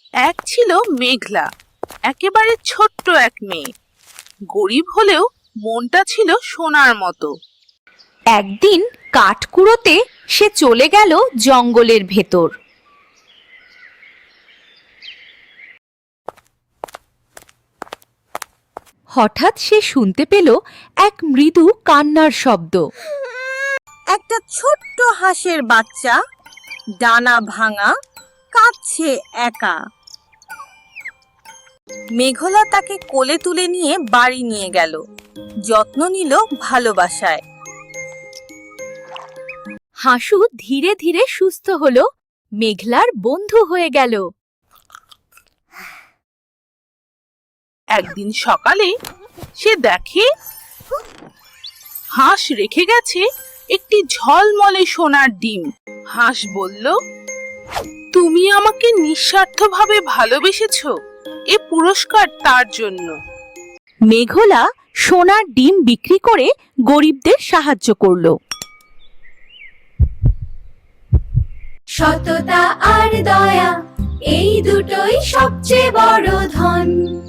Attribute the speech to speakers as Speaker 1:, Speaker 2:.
Speaker 1: এক ছিল মেঘলা, একেবারে ছোট্ট এক মেয়ে। গরিব হলেও মনটা ছিল সোনার মতো।
Speaker 2: একদিন কাঠ কুড়োতে সে চলে গেল জঙ্গলের ভেতর। হঠাৎ সে শুনতে পেল এক মৃদু কান্নার শব্দ।
Speaker 3: একটা ছোট্ট হাঁসের বাচ্চা, ডানা ভাঙা, কাঁদছে একা। মেঘলা তাকে কোলে তুলে নিয়ে বাড়ি নিয়ে গেল, যত্ন নিল ভালোবাসায়।
Speaker 2: হাসু ধীরে ধীরে সুস্থ হলো, মেঘলার বন্ধু হয়ে গেল।
Speaker 1: একদিন সকালে সে দেখে হাঁস রেখে গেছে একটি ঝলমলে সোনার ডিম। হাঁস বলল, তুমি আমাকে নিঃস্বার্থভাবে ভালোবেসেছো, এ পুরস্কার তার জন্য।
Speaker 2: মেঘলা সোনার ডিম বিক্রি করে গরিবদের সাহায্য করলো।
Speaker 4: সততা আর দয়া, এই দুটোই সবচেয়ে বড় ধন।